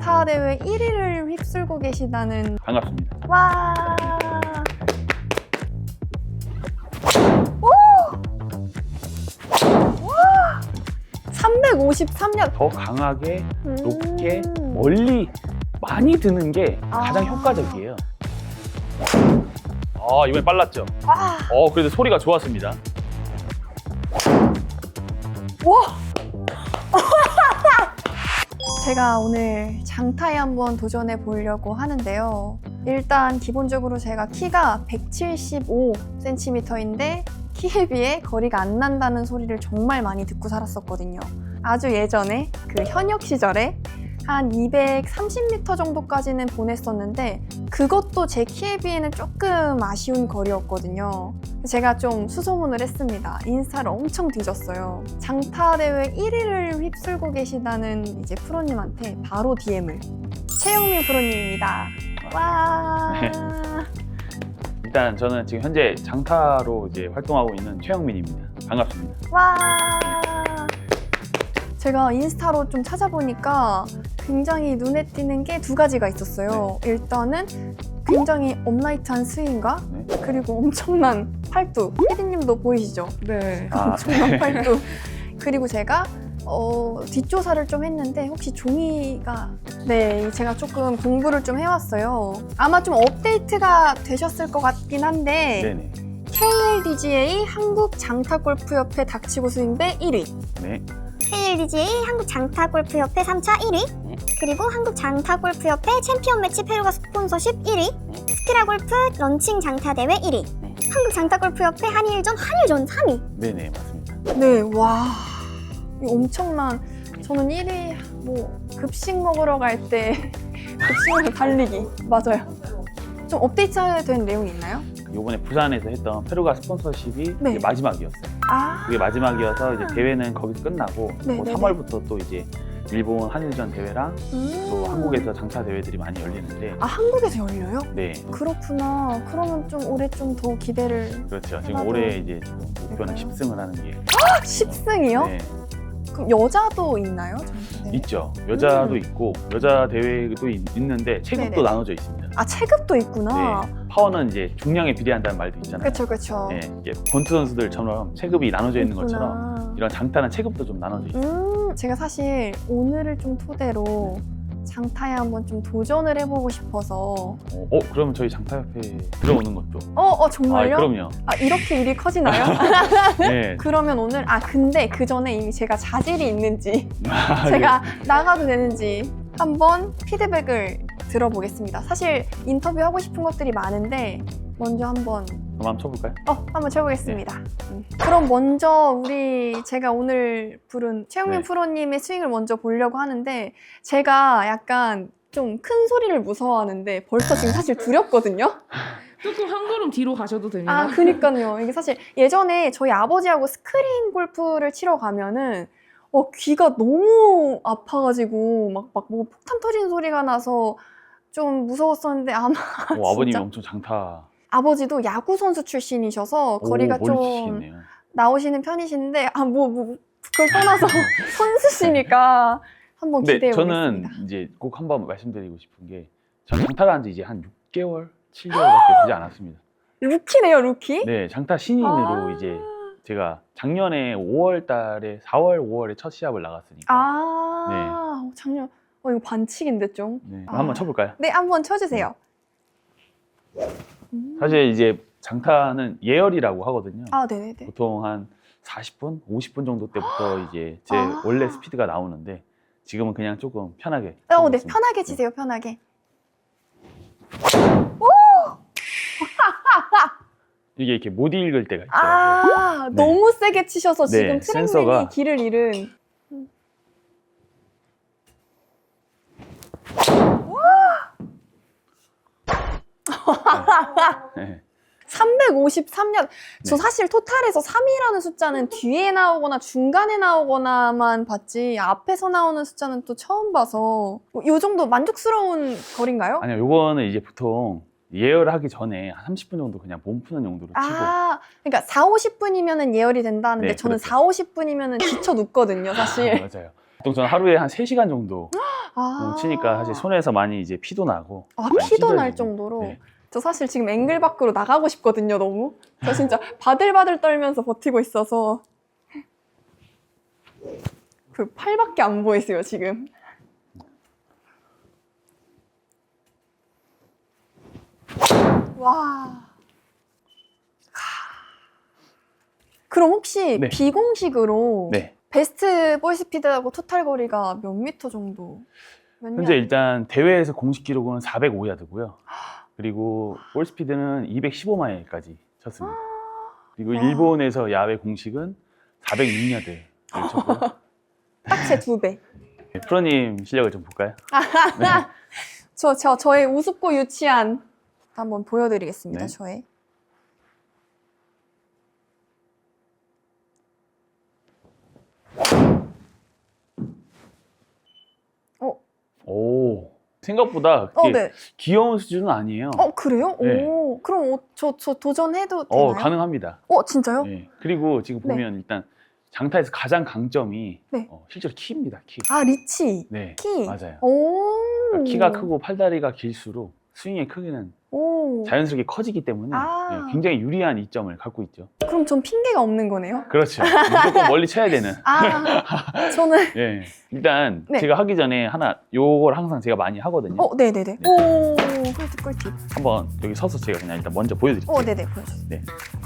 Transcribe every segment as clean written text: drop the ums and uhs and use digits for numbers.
장타 대회 1위를 휩쓸고 계시다는. 반갑습니다. 와. 오! 와! 353년. 더 강하게, 높게, 멀리 많이 드는 게 가장 효과적이에요. 이번엔 빨랐죠? 와. 그래도 소리가 좋았습니다. 와. 제가 오늘 장타에 한번 도전해 보려고 하는데요. 일단 기본적으로 제가 키가 175cm인데 키에 비해 거리가 안 난다는 소리를 정말 많이 듣고 살았었거든요. 아주 예전에 그 현역 시절에 한 230m 정도까지는 보냈었는데 그것도 제 키에 비해는 조금 아쉬운 거리였거든요. 제가 좀 수소문을 했습니다. 인스타를 엄청 뒤졌어요. 장타 대회 1위를 휩쓸고 계시다는 이제 프로님한테 바로 DM을. 최영민 프로님입니다. 와. 네. 일단 저는 지금 현재 장타로 이제 활동하고 있는 최영민입니다. 반갑습니다. 와. 제가 인스타로 좀 찾아보니까 굉장히 눈에 띄는 게 두 가지가 있었어요. 네. 일단은 굉장히 업라이트한 스윙과 네. 그리고 엄청난 팔뚝. 피디님도 보이시죠? 네. 엄청난 팔뚝. 그리고 제가 뒷조사를 좀 했는데 혹시 종이가 제가 조금 공부를 좀 해왔어요. 아마 좀 업데이트가 되셨을 것 같긴 한데 네네. KLDGA 한국장타골프협회 닥치고 스윙배 1위, 네. KLDGA 한국장타골프협회 3차 1위, 그리고 한국장타골프협회 챔피언 매치 페루가 스폰서십 1위, 스키라골프 런칭 장타대회 1위, 한국장타골프협회 한일전 3위. 네네, 맞습니다. 네, 와, 이거 엄청난. 저는 1위 급식 먹으러 갈 때 급식으로 달리기. 맞아요. 좀 업데이트된 내용이 있나요? 요번에 부산에서 했던 페루가 스폰서십이 네. 이제 마지막이었어요. 그게 마지막이어서 이제 대회는 거기서 끝나고 네, 네, 3월부터 또 이제 일본 한일전 대회랑 또 한국에서 장타 대회들이 많이 열리는데 한국에서 열려요? 네, 그렇구나. 그러면 좀 올해 좀 더 기대를. 그렇죠. 지금 하나도- 올해 이제 지금 목표는 10승을 하는 게 10승이요? 네, 그럼 여자도 있나요? 장타 대회? 있죠. 여자도 있고 여자 대회도 있는데 체급도 네네. 나눠져 있습니다. 체급도 있구나. 네, 파워는 이제 중량에 비례한다는 말도 있잖아요. 그쵸. 네, 이게 권투 선수들처럼 체급이 나눠져 있는 있구나. 것처럼 이런 장타는 체급도 좀 나눠져 있어요. 제가 사실 오늘을 좀 토대로 장타에 한번 좀 도전을 해보고 싶어서. 그러면 저희 장타협회 들어오는 것도. 정말요? 그럼요. 이렇게 일이 커지나요? 네. 그러면 오늘 근데 그 전에 이미 제가 자질이 있는지 네. 제가 나가도 되는지 한번 피드백을 들어보겠습니다. 사실 인터뷰하고 싶은 것들이 많은데 먼저 한번 한번 쳐볼까요? 한번 쳐보겠습니다. 그럼 먼저 제가 오늘 부른 최영민 네. 프로님의 스윙을 먼저 보려고 하는데 제가 약간 좀 큰 소리를 무서워하는데 벌써 지금 사실 두렵거든요. 조금 한 걸음 뒤로 가셔도 됩니다. 그니까요. 이게 사실 예전에 저희 아버지하고 스크린 골프를 치러 가면은 귀가 너무 아파가지고 막 폭탄 터지는 소리가 나서 좀 무서웠었는데 아마 아버님이 진짜 엄청 장타. 아버지도 야구 선수 출신이셔서 거리가 멀리 좀 치시겠네요. 나오시는 편이신데 그걸 떠나서 선수시니까 한번 근데 기대해 저는 보겠습니다. 이제 꼭 한번 말씀드리고 싶은 게 전 장타를 한 지 이제 한 6개월, 7개월밖에 되지 않았습니다. 루키네요, 루키? 네, 장타 신인으로 이제 제가 작년에 4월, 5월에 첫 시합을 나갔으니까. 작년. 이거 반칙인데 좀. 네, 그럼 한번 쳐볼까요? 네, 한번 쳐주세요. 사실 이제 장타는 예열이라고 하거든요. 네네네. 보통 한 40분, 50분 정도 때부터 이제 제 원래 스피드가 나오는데 지금은 그냥 조금 편하게. 네, 쳐보겠습니다. 편하게 치세요, 편하게. 이게 이렇게 못 읽을 때가 있어요. 네. 너무 세게 치셔서 지금 트랙맨이 센서가- 길을 잃은. 353년. 저 네. 사실 토탈에서 3이라는 숫자는 뒤에 나오거나 중간에 나오거나만 봤지 앞에서 나오는 숫자는 또 처음 봐서 이 정도 만족스러운 거리인가요? 아니요, 요거는 이제 보통 예열하기 전에 한 30분 정도 그냥 몸 푸는 용도로 치고. 그러니까 4, 50분이면 예열이 된다는데 네, 저는 그렇죠. 4, 50분이면 지쳐 눕거든요, 사실. 맞아요. 보통 저는 하루에 한 3시간 정도 치니까 사실 손에서 많이 이제 피도 나고. 아, 많이 피도 날 찢어지고. 정도로? 네. 저 사실 지금 앵글 밖으로 나가고 싶거든요, 너무. 저 진짜 바들바들 떨면서 버티고 있어서. 그 팔밖에 안 보이세요, 지금. 와. 그럼 혹시 네. 비공식으로 네. 베스트 볼 스피드하고 토탈 거리가 몇 미터 정도? 몇 현재 야? 일단 대회에서 공식 기록은 405야드고요. 그리고 볼 스피드는 215마일까지 쳤습니다. 그리고 와. 일본에서 야외 공식은 406야드를 쳤고요. 딱 제 2배. 네, 프로님 실력을 좀 볼까요? 네. 저의 우습고 유치한 한번 보여드리겠습니다. 네. 저의. 오, 생각보다 그렇게 네. 귀여운 수준은 아니에요. 그래요? 네. 오, 그럼 저 도전해도 되나요? 가능합니다. 진짜요? 네. 그리고 지금 네. 보면 일단 장타에서 가장 강점이 네. 실제로 키입니다. 키. 아, 리치. 네, 키. 맞아요. 오. 그러니까 키가 크고 팔다리가 길수록 스윙의 크기는 오. 자연스럽게 커지기 때문에 아. 네, 굉장히 유리한 이점을 갖고 있죠. 그럼 전 핑계가 없는 거네요? 그렇죠. 무조건 멀리 쳐야 되는. 저는. 예. 일단 네. 제가 하기 전에 요걸 항상 제가 많이 하거든요. 네네네. 오, 꿀팁. 한번 여기 서서 제가 그냥 일단 먼저 보여드릴게요. 네네, 보여주세요.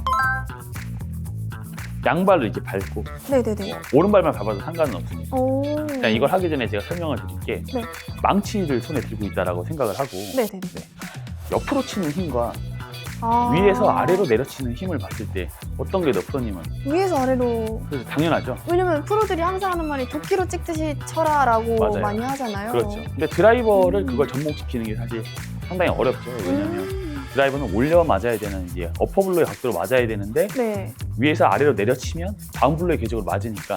양발을 이렇게 밟고 네네네. 오른발만 밟아도 상관은 없습니다. 오. 일단 이걸 하기 전에 제가 설명을 드릴게 네. 망치를 손에 들고 있다라고 생각을 하고 네네네. 옆으로 치는 힘과 아. 위에서 아래로 내려치는 힘을 봤을 때 어떤 게 더 프로님은? 위에서 아래로. 그래서 당연하죠. 왜냐면 프로들이 항상 하는 말이 도끼로 찍듯이 쳐라라고 맞아요. 많이 하잖아요. 그렇죠. 근데 드라이버를 그걸 접목시키는 게 사실 상당히 어렵죠. 왜냐하면 드라이버는 올려 맞아야 되는 이제 어퍼 블로의 각도로 맞아야 되는데 네. 위에서 아래로 내려치면 다운 블로의 궤적으로 맞으니까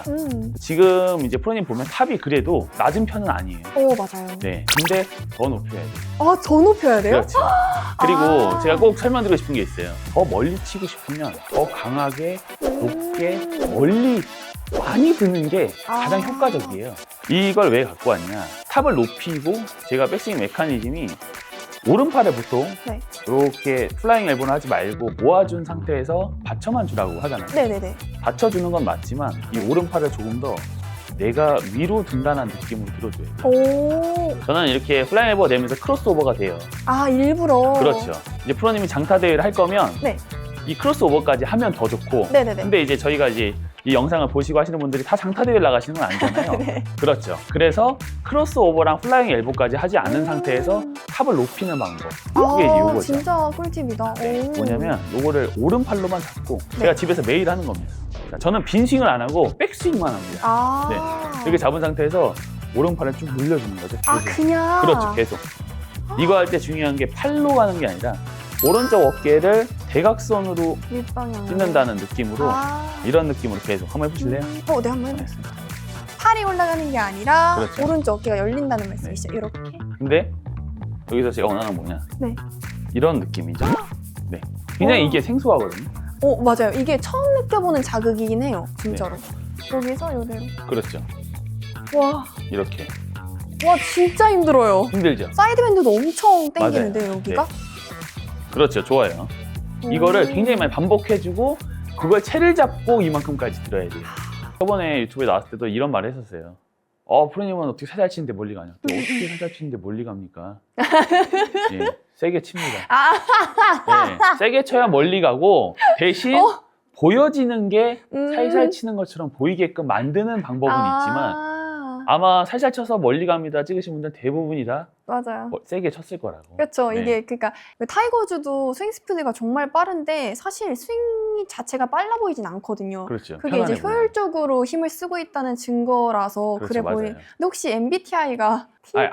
지금 이제 프로님 보면 탑이 그래도 낮은 편은 아니에요. 맞아요. 네. 근데 더 높여야 돼요. 더 높여야 돼요? 그렇죠. 그리고 아. 제가 꼭 설명드리고 싶은 게 있어요. 더 멀리 치고 싶으면 더 강하게, 높게, 멀리 많이 드는 게 가장 아. 효과적이에요. 이걸 왜 갖고 왔냐? 탑을 높이고 제가 백스윙 메커니즘이 오른팔에 보통 네. 이렇게 플라잉 엘보는 하지 말고 모아준 상태에서 받쳐만 주라고 하잖아요. 네네네. 받쳐주는 건 맞지만 이 오른팔을 조금 더 내가 위로 든다는 느낌으로 들어줘야 돼요. 오. 저는 이렇게 플라잉 엘보가 되면서 크로스오버가 돼요. 일부러. 그렇죠. 이제 프로님이 장타 대회를 할 거면 네. 이 크로스오버까지 하면 더 좋고 네네네. 근데 이제 저희가 이제 이 영상을 보시고 하시는 분들이 다 장타 대회를 나가시는 건 아니잖아요. 네. 그렇죠. 그래서 크로스오버랑 플라잉 엘보까지 하지 않은 상태에서 탑을 높이는 방법. 그게 이제 요거죠. 진짜 꿀팁이다. 네, 오. 뭐냐면 요거를 오른팔로만 잡고 네. 제가 집에서 매일 하는 겁니다. 자, 저는 빈 스윙을 안 하고 백스윙만 합니다. 이렇게 잡은 상태에서 오른팔을 쭉 늘려주는 거죠. 계속. 그냥. 그렇죠. 계속. 이거 할 때 중요한 게 팔로 가는 게 아니라 오른쪽 어깨를 대각선으로 윗방향. 찢는다는 느낌으로 이런 느낌으로 계속 한번 해보실래요? 네, 한번 해보겠습니다. 팔이 올라가는 게 아니라 그렇죠. 오른쪽 어깨가 열린다는 말씀이시죠? 이렇게. 근데 여기서 제가 원하는 건 뭐냐? 네. 이런 느낌이죠. 네. 굉장히 이게 생소하거든요. 맞아요. 이게 처음 느껴보는 자극이긴 해요. 진짜로. 여기서 이대로. 그렇죠. 와, 이렇게 진짜 힘들어요. 힘들죠. 사이드밴드도 엄청 땡기는데 여기가? 그렇죠. 좋아요. 이거를 굉장히 많이 반복해주고 그걸 채를 잡고 이만큼까지 들어야 돼요. 저번에 유튜브에 나왔을 때도 이런 말을 했었어요. 프로님은 어떻게 살살 치는데 멀리 가냐? 어떻게 살살 치는데 멀리 갑니까? 예, 세게 칩니다. 네, 세게 쳐야 멀리 가고 대신 보여지는 게 살살 치는 것처럼 보이게끔 만드는 방법은 있지만 아마 살살 쳐서 멀리 갑니다 찍으신 분들 대부분이 다 맞아요. 세게 쳤을 거라고. 그렇죠. 네. 이게 그러니까 타이거즈도 스윙 스피드가 정말 빠른데 사실 스윙 자체가 빨라 보이진 않거든요. 그렇죠. 그게 이제 편안해 보여요. 효율적으로 힘을 쓰고 있다는 증거라서 그렇죠, 그래 보이. 맞아요. 근데 혹시 MBTI가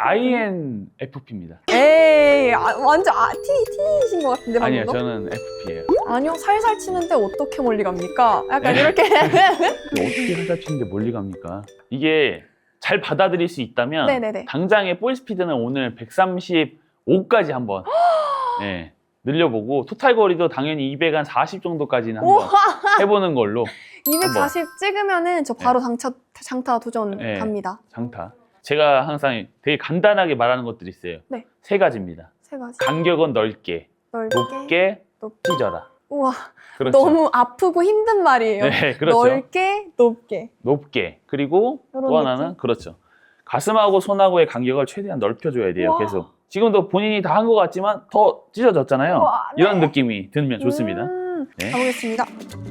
INFP입니다. 에이, 완전 T이신 것 같은데 아니요, 방금도? 저는 FP예요. 아니요, 살살 치는데 어떻게 멀리 갑니까? 약간 이렇게. 어떻게 살살 치는데 멀리 갑니까? 이게 잘 받아들일 수 있다면 네네네. 당장의 볼 스피드는 오늘 135까지 한번 늘려보고 토탈 거리도 당연히 240 정도까지는 한번 해보는 걸로. 240 찍으면은 저 바로 장타 도전 네. 갑니다. 장타. 제가 항상 되게 간단하게 말하는 것들이 있어요. 네. 3가지입니다. 3가지. 간격은 넓게, 넓게. 높게 찢어라. 우와, 그렇죠. 너무 아프고 힘든 말이에요. 네, 그렇죠. 넓게, 높게. 높게. 그리고 요런 또 하나는 느낌? 그렇죠. 가슴하고 손하고의 간격을 최대한 넓혀줘야 돼요. 와. 계속. 지금도 본인이 다 한 것 같지만 더 찢어졌잖아요. 와, 네. 이런 느낌이 들면 좋습니다. 네. 가보겠습니다.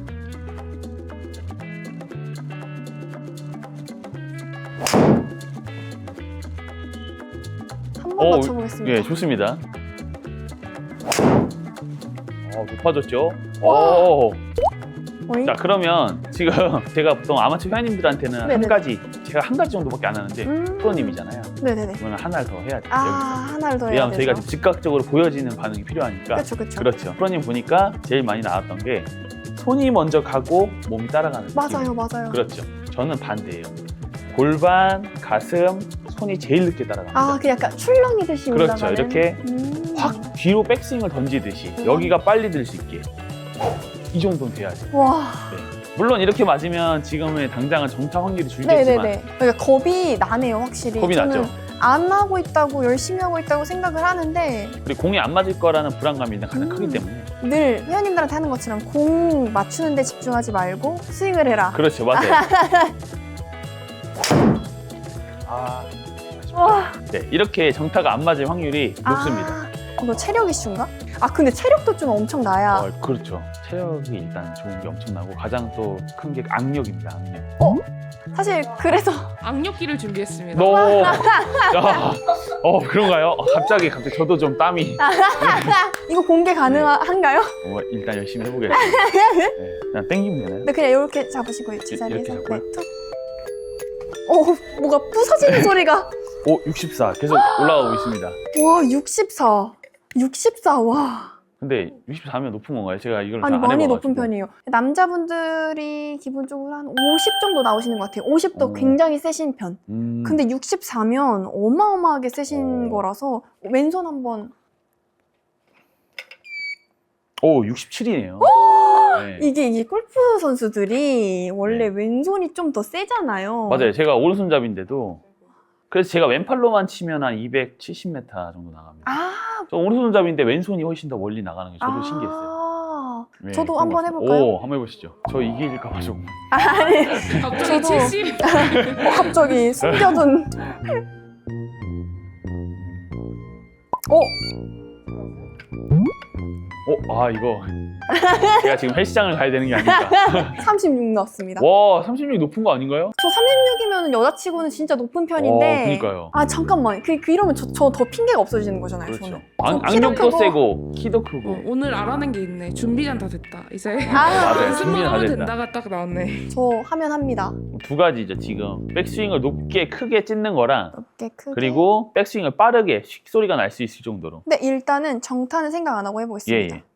한 번 맞춰보겠습니다. 예, 좋습니다. 높아졌죠? 와. 오. 어이? 자, 그러면 지금 제가 보통 아마추어 회원님들한테는 네네. 한 가지, 제가 한 가지 정도밖에 안 하는데 프로님이잖아요. 네네네. 그러면 하나를 더 해야 돼요. 아, 하나를 더 해야 왜냐하면 저희가 되죠. 지금 즉각적으로 보여지는 반응이 필요하니까. 그렇죠, 그렇죠. 그렇죠. 프로님 보니까 제일 많이 나왔던 게 손이 먼저 가고 몸이 따라가는 느낌. 맞아요, 맞아요. 그렇죠. 저는 반대예요. 골반, 가슴, 손이 제일 늦게 따라갑니다. 아, 그 약간 출렁이듯이 그렇죠. 올라가는. 이렇게 확 뒤로 백스윙을 던지듯이 여기가 빨리 들 수 있게 이 정도는 돼야 돼요. 와. 물론 이렇게 맞으면 지금의 당장은 정타 확률이 줄겠지만 네네네. 그러니까 겁이 나네요, 확실히. 겁이 저는 나죠. 안 하고 있다고, 열심히 하고 있다고 생각을 하는데 그리고 공이 안 맞을 거라는 불안감이 일단 가장 크기 때문에 늘 회원님들한테 하는 것처럼 공 맞추는 데 집중하지 말고 스윙을 해라. 그렇죠. 맞아요. 와. 네, 이렇게 정타가 안 맞을 확률이 높습니다. 이거 체력 이슈인가? 아, 근데 체력도 좀 엄청 나야. 그렇죠. 체력이 일단 좋은 게 엄청나고 가장 또 큰 게 악력입니다. 악력. 사실 그래서 악력기를 준비했습니다. 너, 야, 그런가요? 갑자기 저도 좀 땀이. 이거 공개 가능한가요? 일단 열심히 해보겠습니다. 네, 그냥 땡기면 되나요? 네, 그냥 이렇게 잡으시고 제자리에서 이렇게 잡고요? 툭. 뭐가 부서지는 소리가. 64 계속 올라가고 있습니다. 와, 64. 64, 와. 근데 64면 높은 건가요? 제가 이걸 아니, 잘 안 많이 해봐가지고. 높은 편이에요. 남자분들이 기본적으로 한 50 정도 나오시는 것 같아요. 50도 오. 굉장히 세신 편. 근데 64면 어마어마하게 세신 오. 거라서 왼손 한번. 67이네요. 네. 이게 골프 선수들이 원래 네. 왼손이 좀 더 세잖아요. 맞아요. 제가 오른손잡이인데도 그래서 제가 왼팔로만 치면 한 270m 정도 나갑니다. 아, 저 오른손잡이인데 왼손이 훨씬 더 멀리 나가는 게 저도 신기했어요. 네, 저도 그런 한번 것 같아요. 해볼까요? 한번 해보시죠. 저 이길까 봐 조금. 아니, 갑자기 저도- 70. 갑자기 숨겨둔. 이거 제가 지금 헬스장을 가야 되는 게 아닐까. 36 넣었습니다. 와, 36 높은 거 아닌가요? 저 36이면 여자치고는 진짜 높은 편인데. 그러니까요. 아, 잠깐만. 이러면 저 더 핑계가 없어지는 거잖아요, 그렇죠. 저는. 저 키도 악력도 크고. 세고 키도 크고. 오늘 알아낸 게 있네. 준비는 다 됐다. 이제 맞아요. 연습만 준비는 다 하면 됐다. 된다가 딱 나왔네. 저 하면 합니다. 두 가지죠. 지금 백스윙을 높게 크게 찢는 거랑 넓게 크게. 그리고 백스윙을 빠르게 휙 소리가 날 수 있을 정도로. 근데 일단은 정타는 생각 안 하고 해보겠습니다. 예.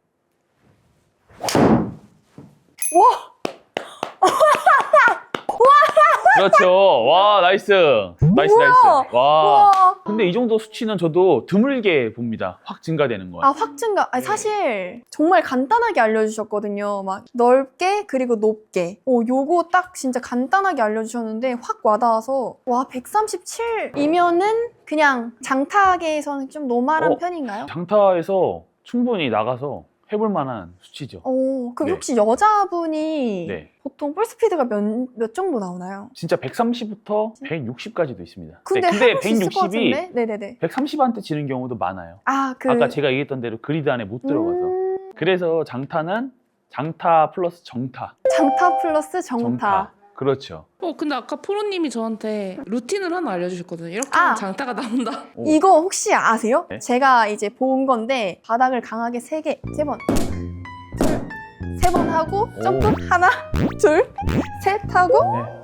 그렇죠. 와, 나이스. 나이스. 와. 우와. 근데 이 정도 수치는 저도 드물게 봅니다. 확 증가되는 거. 아, 확 증가. 아니, 사실 정말 간단하게 알려주셨거든요. 막 넓게 그리고 높게. 요거 딱 진짜 간단하게 알려주셨는데 확 와닿아서 와, 137이면은 그냥 장타계에서는 좀 노멀한 편인가요? 장타에서 충분히 나가서 해볼 만한 수치죠. 그럼 네. 혹시 여자분이 네. 보통 볼 스피드가 몇 정도 나오나요? 진짜 130부터 160까지도 있습니다. 근데 근데 해볼 수 있을 것 160이 같은데? 네네네. 130한테 지는 경우도 많아요. 아까 제가 얘기했던 대로 그리드 안에 못 들어가서. 그래서 장타는 장타 플러스 정타. 장타 플러스 정타. 그렇죠. 근데 아까 프로님이 저한테 루틴을 하나 알려주셨거든요. 이렇게 아. 하면 장타가 나온다. 오. 이거 혹시 아세요? 네? 제가 이제 본 건데 바닥을 강하게 3번 세 번 하고 오. 점프 하나 둘 셋 하고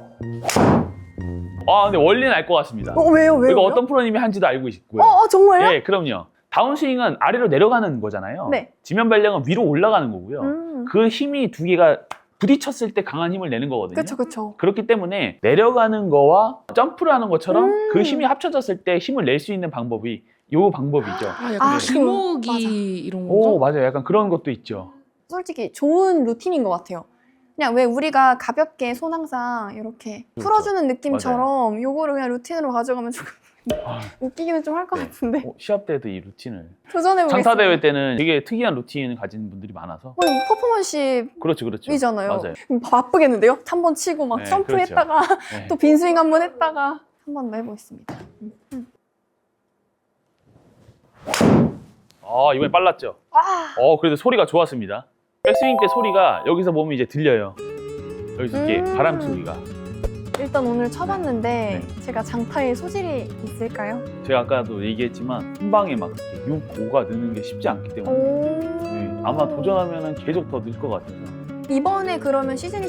근데 원리는 알 것 같습니다. 왜요? 이거 어떤 프로님이 한지도 알고 있고요. 정말요? 예, 그럼요. 다운스윙은 아래로 내려가는 거잖아요. 네. 지면 발령은 위로 올라가는 거고요. 음. 그 힘이 두 개가 부딪혔을 때 강한 힘을 내는 거거든요. 그쵸. 그렇기 때문에 내려가는 거와 점프를 하는 것처럼 그 힘이 합쳐졌을 때 힘을 낼 수 있는 방법이 요 방법이죠. 약간 아, 기모기 맞아. 이런 건가? 맞아요. 약간 그런 것도 있죠. 솔직히 좋은 루틴인 것 같아요. 그냥 왜 우리가 가볍게 손 항상 이렇게 그렇죠. 풀어주는 느낌처럼 요거를 그냥 루틴으로 가져가면 조금 아, 웃기기는 좀 할 것 네. 같은데 시합 때도 이 루틴을 도전해보겠습니다. 장타 대회 때는 되게 특이한 루틴을 가진 분들이 많아서 이거 퍼포먼십이잖아요. 그렇죠. 음, 맞아요. 바쁘겠는데요? 한 번 치고 막 네, 점프했다가 네. 또 빈스윙 한 번 했다가 한 번 더 해보겠습니다. 이번에 빨랐죠. 그래도 소리가 좋았습니다. 백스윙 때 소리가 여기서 보면 이제 들려요. 여기서 이렇게 바람 소리가. 일단 오늘 쳐봤는데 네. 제가 장타에 소질이 있을까요? 제가 아까도 얘기했지만 한 방에 막 6, 5가 느는 게 쉽지 않기 때문에 네, 아마 도전하면 계속 더 늘 것 같아서. 이번에 그러면 시즌이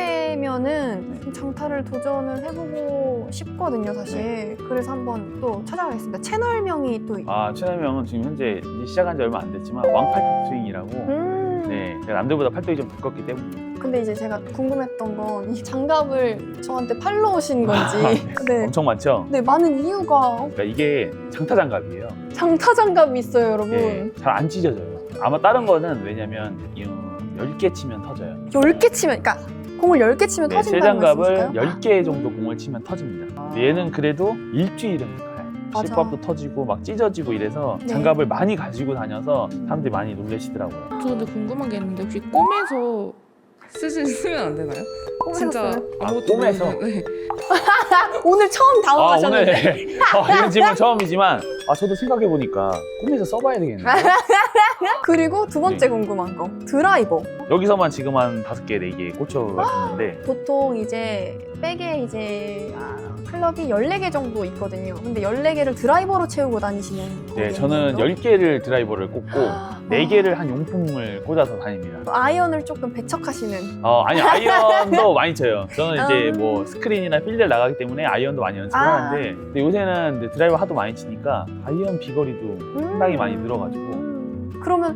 시작되면은 네. 장타를 도전을 해보고 싶거든요, 사실. 그래서 한번 또 찾아가겠습니다. 채널명이 또 채널명은 지금 현재 이제 시작한 지 얼마 안 됐지만 왕팔뚝 스윙이라고. 네, 제가 남들보다 팔뚝이 좀 두껍기 때문에 근데 이제 제가 궁금했던 건 이 장갑을 저한테 팔러 오신 건지 네. 엄청 많죠. 네, 많은 이유가 그러니까 이게 장타 장갑이에요. 장타 장갑이 있어요, 여러분. 네, 잘 안 찢어져요. 아마 다른 거는 왜냐면 10개 치면 터져요. 10개 치면, 그러니까 공을 10개 치면 네, 새 터진다는 장갑을 말씀이실까요? 10개 정도 공을 치면 터집니다. 근데 얘는 그래도 일주일은 가요. 맞아. 실밥도 터지고 막 찢어지고 이래서 네. 장갑을 많이 가지고 다녀서 사람들이 많이 놀라시더라고요. 저 근데 궁금한 게 있는데 혹시 꿈에서 쓰면 안 되나요? 진짜 쓰셨어요? 아무것도 꿈에서? 모르는데. 오늘 처음 당황하셨는데 오늘 이런 질문 처음이지만 저도 생각해보니까 꿈에서 써봐야 되겠네요. 그리고 두 번째 네. 궁금한 거 드라이버. 여기서만 지금 한 5개, 4개 꽂혀가 있는데 보통 이제 백에 이제 클럽이 14개 정도 있거든요. 근데 14개를 드라이버로 채우고 다니시는 네, 거겠네요. 저는 10개를 드라이버를 꽂고 아. 4개를 한 용품을 꽂아서 다닙니다. 아이언을 조금 배척하시는. 아니 아이언도 많이 쳐요. 저는 이제 아. 뭐 스크린이나 필드를 나가기 때문에 아이언도 많이 연습을 하는데 근데 요새는 이제 드라이버 하도 많이 치니까 아이언 비거리도 상당히 많이 늘어가지고 그러면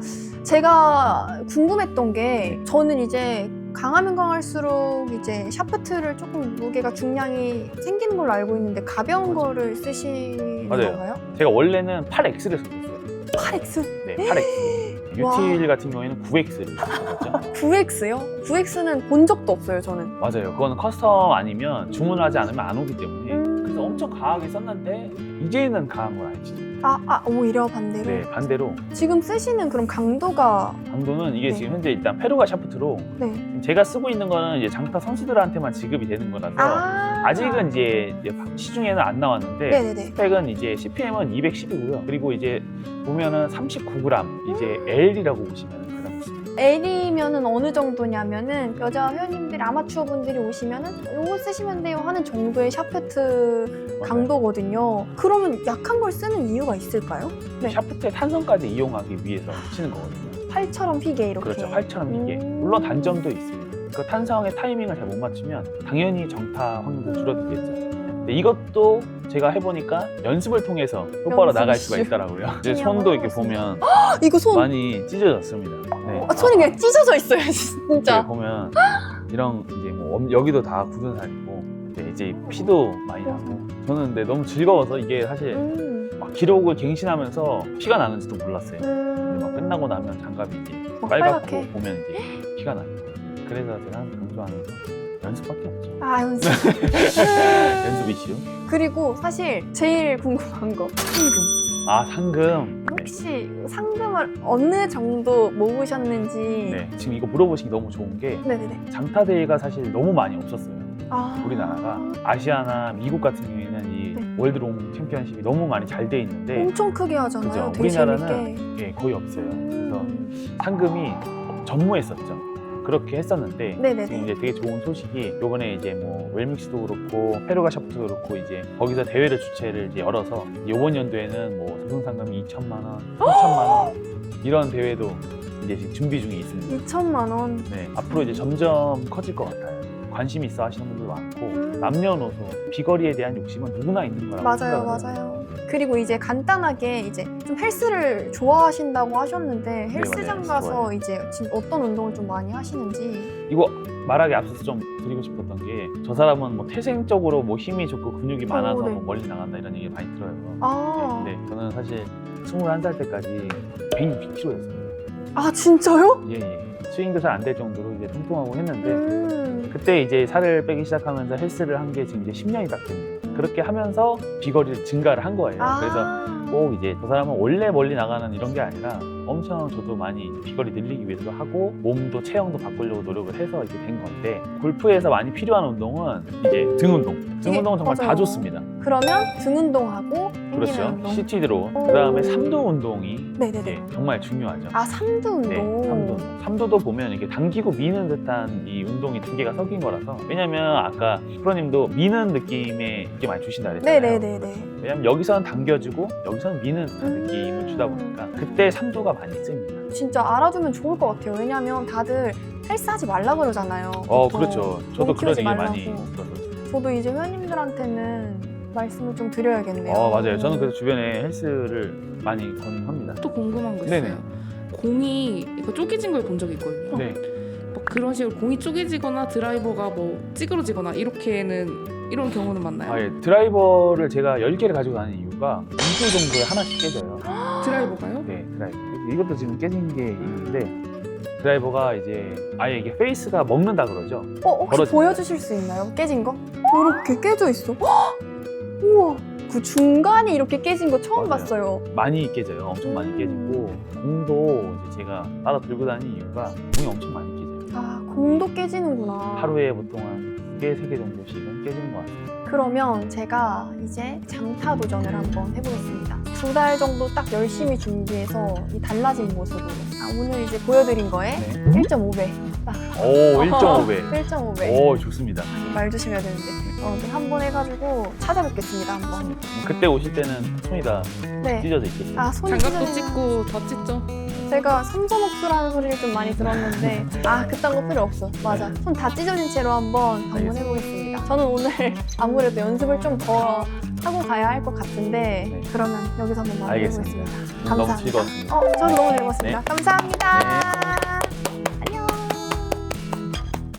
제가 궁금했던 게 저는 이제 강하면 강할수록 이제 샤프트를 조금 무게가 중량이 생기는 걸로 알고 있는데 가벼운 거를 쓰시는 맞아요. 건가요? 제가 원래는 8X를 썼었어요. 8X? 네, 8X. 와. 유틸 같은 경우에는 9X를 썼었죠. 9X요? 9X는 본 적도 없어요, 저는. 맞아요. 그건 커스텀 아니면 주문하지 않으면 안 오기 때문에 그래서 음. 엄청 강하게 썼는데 이제는 강한 건 아니지. 오히려 반대로. 네, 반대로 지금 쓰시는 그럼 강도가 강도는 이게 네. 지금 현재 일단 페루가 샤프트로 네. 지금 제가 쓰고 있는 거는 이제 장타 선수들한테만 지급이 되는 거라서 아직은 이제 시중에는 안 나왔는데 네네네. 스펙은 이제 CPM은 210이고요. 그리고 이제 보면은 39g 이제 L이라고 보시면 그런 있습니다. L이면은 어느 정도냐면은 여자 회원님들이 아마추어 분들이 오시면은 요거 쓰시면 돼요 하는 정도의 샤프트 강도거든요. 그러면 약한 걸 쓰는 이유가 있을까요? 네. 샤프트의 탄성까지 이용하기 위해서 치는 거거든요. 팔처럼 휘게 이렇게. 그렇죠. 활처럼 이게 물론 단점도 있습니다. 그 탄성의 타이밍을 잘 못 맞추면 당연히 정타 확률도 줄어들겠죠. 근데 이것도 제가 해보니까 연습을 통해서 똑바로 연습 나갈 수가 시. 있더라고요. 이제 그냥 손도 이렇게 해보겠습니다. 보면 이거 손 많이 찢어졌습니다. 네. 손이 그냥 찢어져 있어요, 이렇게 진짜. 보면 이런 이제 뭐 여기도 다 굳은 살이고 이제 피도 많이 나고 저는 근데 너무 즐거워서 이게 사실 막 기록을 갱신하면서 피가 나는지도 몰랐어요. 근데 막 끝나고 나면 장갑이 이제 막 빨갛고 빨갛게. 보면 이제 피가 나요. 그래서 제가 항상 강조하는 건 연습밖에 없죠. 연습. 연습 이슈. 그리고 사실 제일 궁금한 거 상금. 상금. 네. 혹시 상금을 어느 정도 모으셨는지. 네. 지금 이거 물어보시기 너무 좋은 게 네네네. 장타 대회가 사실 너무 많이 없었어요. 아. 우리나라가 아시아나 미국 같은 경우에는 이 네. 월드롱 챔피언십이 너무 많이 잘 돼 있는데 엄청 크게 하잖아요. 그죠? 되게 우리나라는 재밌게. 예, 거의 없어요. 그래서 상금이 전무했었죠. 그렇게 했었는데 네네네. 지금 이제 되게 좋은 소식이 요번에 이제 뭐 웰믹스도 그렇고 페루가 샤프트도 그렇고 이제 거기서 대회를 주최를 이제 열어서 요번 연도에는 뭐 우승 상금이 2천만 원, 3천만 원 이런 대회도 이제 지금 준비 중에 있습니다. 2천만 원. 네, 앞으로 이제 점점 커질 것 같아요. 관심 있어 하시는 분들 많고 남녀노소 비거리에 대한 욕심은 누구나 있는 거라고 맞아요, 생각을 해요. 맞아요. 그리고 이제 간단하게 이제 좀 헬스를 좋아하신다고 하셨는데 헬스장 네, 가서 좋아요. 이제 지금 어떤 운동을 좀 많이 하시는지. 이거 말하기 앞서서 좀 드리고 싶었던 게 저 사람은 뭐 태생적으로 뭐 힘이 좋고 근육이 많아서 네. 뭐 멀리 나간다 이런 얘기 많이 들어요. 아, 네, 저는 사실 21살 때까지 106kg였습니다. 진짜요? 예. 스윙도 잘 안 될 정도로 이제 통통하고 했는데 그때 이제 살을 빼기 시작하면서 헬스를 한 게 지금 이제 10년이 딱 됩니다. 그렇게 하면서 비거리를 증가를 한 거예요. 그래서 꼭 이제 저 사람은 원래 멀리 나가는 이런 게 아니라 엄청 저도 많이 이제 비거리 늘리기 위해서도 하고 몸도 체형도 바꾸려고 노력을 해서 이렇게 된 건데 골프에서 많이 필요한 운동은 이제 등 운동. 등 운동은 정말 다 맞아요. 좋습니다. 그러면 등 운동하고 당기는 그렇죠. 운동. CT 드로. 그다음에 삼두 운동이 네네네. 네, 정말 중요하죠. 아, 삼두 운동. 네, 삼두. 삼두도 보면 이렇게 당기고 미는 듯한 이 운동이 두 개가 섞인 거라서 왜냐면 아까 프로님도 미는 느낌에 이게 많이 주신다 그랬잖아요. 네네네네. 왜냐면 여기서는 당겨주고 여기서는 미는 듯한 느낌을 주다 보니까 그때 삼두가 많이 씁니다. 진짜 알아두면 좋을 것 같아요. 왜냐면 다들 헬스 하지 말라 그러잖아요. 보통. 그렇죠. 저도 몸 그런 키우지 얘기 많이 말라고. 들었어요. 저도 이제 회원님들한테는 말씀을 좀 드려야겠네요. 맞아요. 저는 그래서 주변에 헬스를 많이 권합니다. 또 궁금한 거 네네. 있어요. 공이 이거 쪼개진 걸 본 적이 있거든요. 네. 막 그런 식으로 공이 쪼개지거나 드라이버가 뭐 찌그러지거나 이런 경우는 맞나요? 예. 드라이버를 제가 10개를 가지고 다니는 이유가 2주 정도에 하나씩 깨져요. 드라이버가요? 네, 드라이버. 이것도 지금 깨진 게 있는데 드라이버가 이제 아예 이게 페이스가 먹는다 그러죠. 혹시 벌어진다. 보여주실 수 있나요? 깨진 거? 이렇게 깨져 있어. 헉! 우와, 그 중간이 이렇게 깨진 거 처음 맞아요. 봤어요. 많이 깨져요. 엄청 많이 깨지고 공도 이제 제가 따라 들고 다니는 이유가 공이 엄청 많이 깨져요. 아, 공도 깨지는구나. 하루에 보통 한 2개, 3개 정도씩은 깨지는 것 같습니다. 그러면 제가 이제 장타 도전을 한번 해보겠습니다. 2달 정도 딱 열심히 준비해서 이 달라진 모습으로 오늘 이제 보여드린 거에 네. 1.5배. 오, 1.5배. 1.5배. 오, 좋습니다. 말 조심해야 되는데. 한번 해가지고 찾아뵙겠습니다. 한번. 그때 오실 때는 손이 다 네. 찢어져 있겠죠. 아, 손이 장갑도 찢어지는- 찍고 다 찢죠? 제가 섬섬옥수라는 소리를 좀 많이 들었는데 그딴 거 필요 없어. 맞아. 네. 손 다 찢어진 채로 한번 알겠습니다. 해보겠습니다. 저는 오늘 아무래도 연습을 좀 더 하고 가야 할 것 같은데 네. 그러면 여기서 한번 알겠습니다. 마무리해보겠습니다. 너무 감사합니다. 즐거웠습니다. 저도 너무 즐거웠습니다. 네. 감사합니다. 네.